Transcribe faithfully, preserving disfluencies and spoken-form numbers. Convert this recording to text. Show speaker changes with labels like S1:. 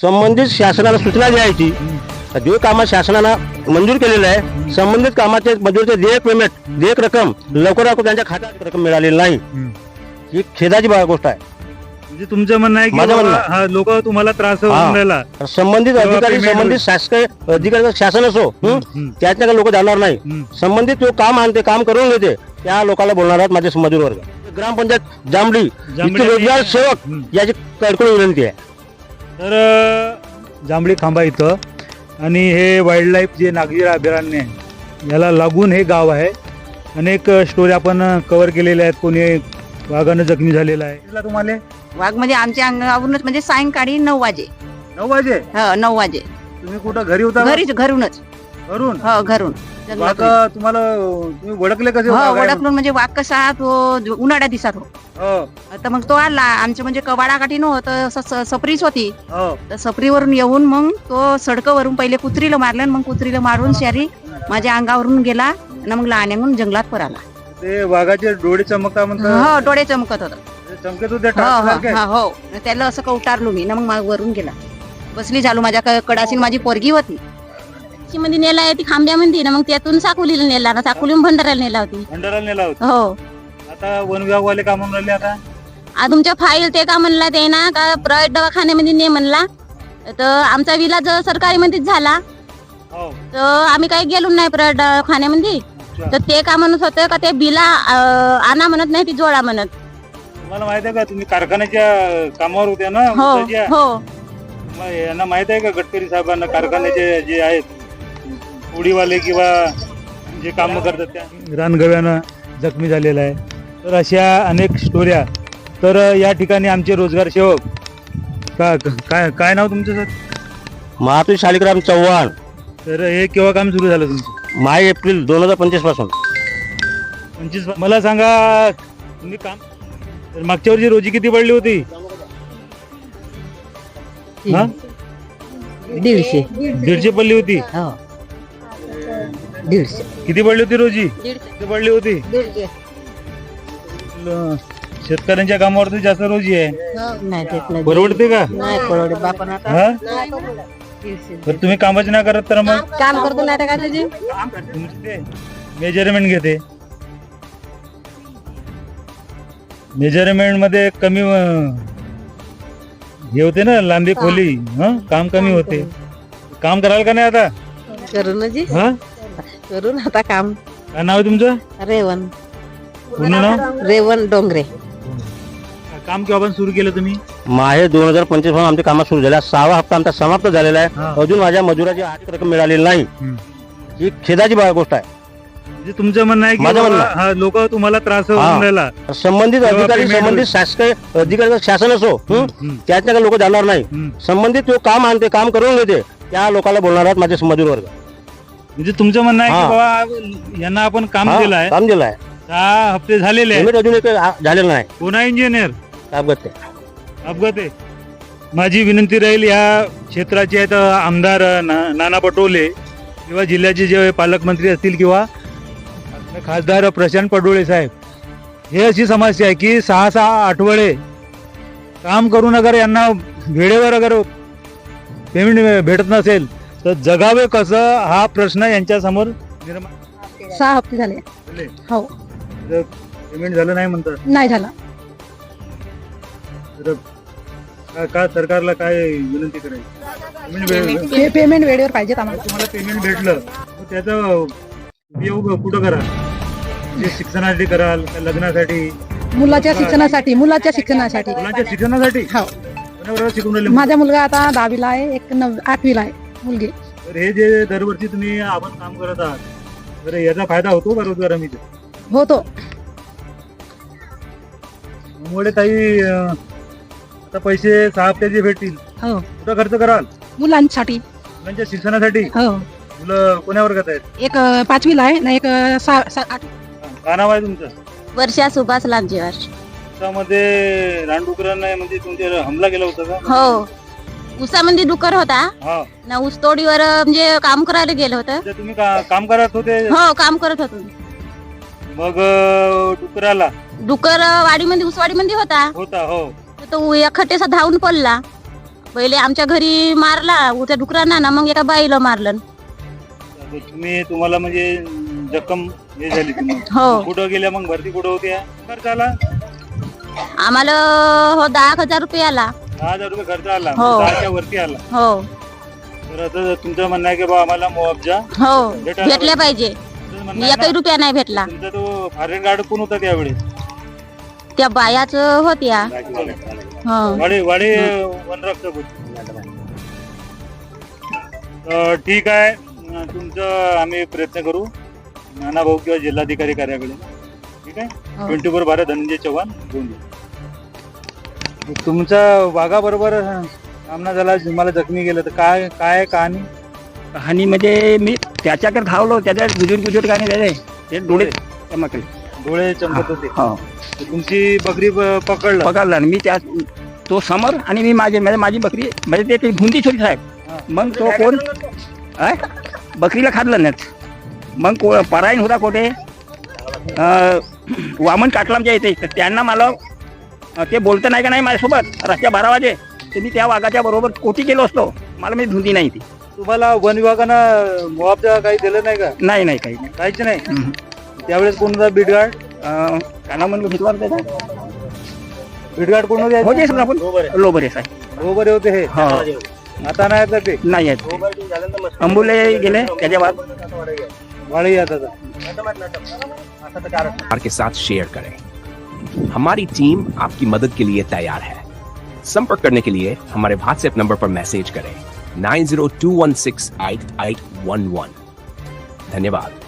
S1: संबंधित शासनाला सूचना द्यायची, जो कामात शासनानं मंजूर केलेलं आहे संबंधित कामाचे मजुरीचे देयक पेमेंट देयक रक्कम लवकरात त्यांच्या खात्यात रक्कम मिळालेली नाही, ही खेदाची बा- गोष्ट आहे.
S2: म्हणजे तुमचं म्हणणं आहे की
S1: माझं म्हणणं
S2: बाबा, हा लोक तुम्हाला त्रास होऊन
S1: हा.
S2: राहिला.
S1: संबंधित
S2: तेव्हा
S1: अधिकारी
S2: payment
S1: संबंधित शासकीय अधिकारी शासन असो हं?
S2: हं.
S1: त्यातल्या लोक जाणार नाही.
S2: हं.
S1: संबंधित जो काम आणते काम करून घेते त्या लोकांना बोलणार आहेत माझे मजूर वर्ग. ग्रामपंचायत जांभळी
S2: जांभळी
S1: इथले रोजगार सेवक
S2: हं.
S1: याची कडकड विनंती आहे.
S2: तर अ, जांभळी खांबा इथं आणि हे वाईल्ड लाईफ जे नागझिरा अभयारण्य आहे याला लागून हे गाव आहे. अनेक स्टोरी आपण कव्हर केलेल्या आहेत. कोणी वाघानं जखमी झालेला आहे. दिसला तुम्हाला
S3: वाघ म्हणजे आमच्या अंगावरूनच म्हणजे सायंकाळी नऊ वाजे
S2: नऊ वाजे
S3: हो नऊ वाजे
S2: तुम्ही कुठं घरी होता का?
S3: घरीच घरूनच
S2: घरून
S3: हो घरून
S2: वाघ
S3: जंगलातून.
S2: तुम्हाला तुम्ही ओळखले कसे
S3: हो
S2: वाघ आहे म्हणून?
S3: ओळखून म्हणजे वाघ कसा तो उन्हाळ्या दिसत हो
S2: हो
S3: तर मग तो आला आमच्या म्हणजे कवाडाकाठी नव्हतं स- स- सपरीच होती
S2: हो
S3: तर सपरीवरून येऊन मग तो सडकवरून पहिले कुत्रीला मारलं आणि मग कुत्रीला मारून शारी माझ्या अंगावरून गेला आणि मग लहान्याहून जंगलात पराला.
S2: ते वाघाचे डोळे चमकता म्हणतात.
S3: हो डोळे चमकत होत
S2: ते चमकत होते
S3: हो
S2: टाचसारखे.
S3: हो हो त्याला असं का उतारलो मी ना मग मा- वरून गेला बसली झालो माझ्या क- कडाशी माझी पोरगी होती
S4: मध्ये नेला आहे ती खांब्यामध्ये ना मग त्यातून साकोलीला नेला ना साकोलीहून भंडाऱ्याला नेला होती.
S2: भंडाराला नेला होता.
S4: हो
S2: आता वन विभागवाले का म्हणून राहिले आता
S4: आ तुमच्या फाईल ते का म्हणला ते ना का प्रायव्हेट दवाखान्यामध्ये ने म्हणला तर आमचा विलाज सरकारी मध्येच झाला
S2: हो
S4: तर आम्ही काही गेलो नाही प्रायव्हेट दवाखान्यामध्ये.
S2: अच्छा.
S4: तर ते का म्हणत होतं का ते बिला अं, आणा म्हणत नाही ती जोडा म्हणत.
S2: तुम्हाला माहित आहे का तुम्ही कारखान्याच्या कामावर होत्या ना
S4: हो
S2: ऊसाच्या?
S4: हो
S2: मग यांना माहित आहे का गडकरी साहेबांना कारखान्याचे जे आहेत उडीवाले किंवा जे काम करतात त्या रानगव्यानं जखमी झालेला आहे. तर अशा अनेक स्टोऱ्या. तर या ठिकाणी आमचे रोजगार सेवक का काय काय नाव तुमचं सर?
S1: महातू शालिग्राम चव्हाण.
S2: तर हे केव्हा काम सुरू झालं तुमचं?
S1: मार्च एप्रिल दोन हजार पंचवीस पासून.
S2: पंचवीस मला सांगा तुम्ही काम तर मागच्या वर्षी रोजी किती पडली होती? हा?
S3: दीडशे
S2: दीडशे पडली होती.
S3: हो दीडशे
S2: किती पडली होती रोजी? किती पडली होती? ल- शेतकऱ्यांच्या कामावरती जास्त रोजी आहे.
S3: नाही देत नाही
S2: परवडते का?
S3: नाही परवडे बापन आता
S2: हा तर तुम्ही कामच नाही करत तर मग
S3: काम करतो नाही का तुझी
S2: मेजरमेंट घेते. मेजरमेंट मध्ये कमी अं, हे होते ना लांबी खोली. हं? काम कमी होते. काम कराल का नाही आता?
S3: करू ना जी
S2: हा
S3: करू ना आता काम.
S2: काय नाव आहे तुमचं?
S3: रेवण
S2: पूर्ण नाव?
S3: रेवण डोंगरे.
S2: काम केव्हा सुरू केलं तुम्ही?
S1: माहे दोन हजार पंचवीस पासून आमचे कामं सुरू झाले. सहावा हप्ता आमचा समाप्त झालेला
S2: हा.
S1: आहे. अजून माझ्या मजुराची आर्थिक रक्कम मिळालेली नाही,
S2: हं.
S1: ही खेदाची बा- गोष्ट आहे.
S2: म्हणजे तुमचं म्हणणं आहे की
S1: माझं म्हणणं.
S2: बाबा, हा लोक तुम्हाला त्रास होऊन
S1: हा.
S2: राहिला.
S1: संबंधित
S2: तेव्हा
S1: अधिकारी
S2: payment
S1: संबंधित शासकीय अधिकारी शासन असो हं?
S2: हं.
S1: त्यातल्या लोक जाणार नाही.
S2: हं.
S1: संबंधित जो काम आणते काम करून घेते त्या लोकांना बोलणार आहेत माझे मजूर वर्ग.
S2: म्हणजे तुमचं म्हणणं आहे की
S1: हा.
S2: बाबा यांना आपण काम
S1: हा,
S2: दिलं आहे,
S1: काम दिलं आहे.
S2: सहा हप्ते झालेले आहेत.
S1: पेमेंट अजून एक आ- झालेलं नाही.
S2: कोणा इंजिनियर
S1: अपघात ते.
S2: अपघात आहे. माझी विनंती राहील या क्षेत्राचे आहेत आमदार ना- नाना पटोले किंवा जिल्ह्याचे जे पालकमंत्री असतील किंवा खासदार प्रशांत पडोळे साहेब, हे अशी समस्या आहे की सहा सहा आठवडे काम करून अगर यांना वेळेवर अगर पेमेंट भेटत नसेल तर जगावे कसं हा प्रश्न यांच्या समोर निर्माण
S5: सहा हप्ते झाले
S2: झाले.
S5: हो
S2: जर पेमेंट झालं नाही म्हणतात
S5: नाही झाला.
S2: तर का- का सरकारला काय विनंती करायची? पेमेंट वेळ-
S5: पे पेमेंट वेळेवर पाहिजेत आम्हाला.
S2: तुम्हाला पेमेंट भेटलं तर त्याचा उपयोग कुठं कराल? म्हणजे शिक्षणासाठी कराल का लग्नासाठी?
S5: मुलाच्या शिक्षणासाठी मुलाच्या शिक्षणासाठी
S2: मुलांच्या शिक्षणासाठी?
S5: हो
S2: कोणाबरोबर शिकून राहिले?
S5: माझा मुलगा आता दहावीला आहे, एक नव आठवीला आहे मुलगी.
S2: तर हे जे दरवर्षी तुम्ही आपण काम करत आहात तर याचा फायदा होतो का रोजगार हमीचा?
S5: होतो.
S2: त्यामुळे काही अं, आता पैसे सहा हप्त्याचे भेटतील
S5: हो
S2: कुठं खर्च कराल?
S5: मुलांसाठी.
S2: मुलांच्या शिक्षणासाठी.
S5: हो
S2: मुलं कोण्या वर्गात आहेत?
S5: एक अं, पाचवीला आहे ना एक अं, सहा सा- आठ.
S2: काय नाव आहे तुमचं?
S4: वर्षा सुभाष लांजेवार.
S2: त्यामध्ये रानडुकरांना म्हणजे तुमच्यावर हमला केला होता का?
S4: हो उसामध्ये डुकर होता
S2: हा
S4: ना ऊसतोडीवर म्हणजे काम करायला गेलं होतं.
S2: म्हणजे तुम्ही का- काम करत होते
S4: हो काम करत होतो.
S2: मग अं, डुकराला
S4: डुकर वाडीमध्ये उसवाडीमध्ये होता
S2: होता हो
S4: तर तो एखाटेसा धावून पडला पहिले आमच्या घरी मारला उद्या डुकरांना ना मग एका बाईला मारलं.
S2: तर तुम्ही तुम्हाला म्हणजे जखम हे झाली तुम्हाला.
S4: हो
S2: कुठं गेल्या मग भरती कुठं होत्या खर्च आला
S4: आम्हाला हो दहा हजार रुपये आला.
S2: दहा हजार रुपये खर्च आला
S4: हो.
S2: दहाच्या वरती आला.
S4: हो
S2: तर आता तुमचं म्हणणं आहे की बा आम्हाला मुआवजा
S4: हो
S2: भेटायला
S4: भेटले पाहिजे.
S2: तुमचं म्हणणं आहे
S4: एकही
S2: ना,
S4: रुपया नाही भेटला.
S2: तुमचा तो फॉरेन गार्ड कोण होता त्यावेळेस
S4: त्या बायाच होत्या. हो
S2: वाडे वाडे वनरक्षक होते. तर ठीक आहे अं, तुमचं आम्ही प्रयत्न करू नाना भाऊ किंवा जिल्हाधिकारी कार्याकडे. ठीक आहे
S4: हो.
S2: ट्वेंटी फोर बारा धनंजय चव्हाण घेऊन येऊ. तुमचा वाघा बरोबर सामना झाला तुम्हाला जखमी गेलं तर काय काय कहाणी
S6: कहाणी म्हणजे मी त्याच्याकडे धावलो त्याच्या गुजूर गुजूर गाणे त्याचे ते डोळे चमकले.
S2: डोळे चमकत होते.
S6: हो
S2: तर तुमची बकरी प- पकडलं
S6: पकडला आणि मी त्या तो समोर आणि मी माझे म्हणजे माझी बकरी म्हणजे ते काही भुंदी छोटी साहेब. मग तो कोण अय? बकरीला खाल्लं नाही. मग को परायण होता कोठे अं, वामन काटलामच्या इथे तर त्यांना मला अं, ते बोलतं नाही का नाही माझ्यासोबत रातच्या बारा वाजे तर मी त्या वाघाच्या बरोबर कोटी गेलो असतो. मला मी धुंदी नाही ती.
S2: तुम्हाला वन विभागानं मुआवजा काही दिलं नाही का
S6: नाही नाही काही नाही.
S2: काहीच नाही.
S6: हम्म.
S2: त्यावेळेस कोण होता बीटगार्ड
S6: अं, काय नाव म्हणलं घेतला त्याचा
S2: बीटगार्ड कोण होते
S6: होते समजा आपण लोबरे साहेब.
S2: हो बरे होते हे
S6: हो
S2: आता नाही आता ते
S6: नाही आहेत अंबुले गेले त्याच्या बाद
S2: वाळी आता
S7: परिवार के साथ शेयर करें। हमारी टीम आपकी मदद के लिए तैयार है। संपर्क करने के लिए हमारे व्हाट्सएप नंबर पर मैसेज करें nine zero two one six eight eight one one. धन्यवाद।